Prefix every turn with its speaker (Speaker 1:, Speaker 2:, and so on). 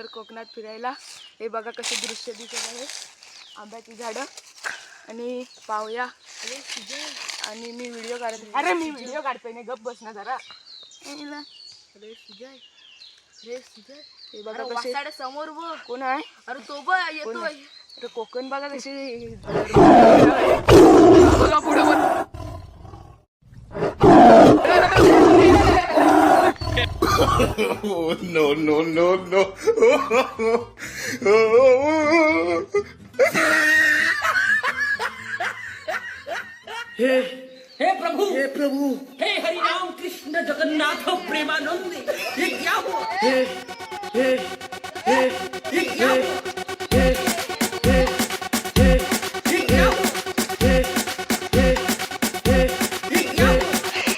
Speaker 1: आलोय कोकणात फिरायला. हे बघा कसे दृश्य दिसत आहे, आंब्याची झाडं आणि पावया. आणि मी व्हिडिओ काढते. अरे मी व्हिडिओ काढतोय नाही, गप बस ना जरा.
Speaker 2: अरे सुजय,
Speaker 1: हे बघा कसे
Speaker 2: समोर बघ.
Speaker 1: कोण आहे?
Speaker 2: अरे तो बघ येतोय.
Speaker 1: अरे कोकण बघा कशी बघा पुढे पण.
Speaker 3: Oh, no, no, no, no.
Speaker 4: हे प्रभु, हे हरिनाम कृष्ण जगन्नाथ प्रेमानंद, ये क्या हुआ? ये क्या हुआ?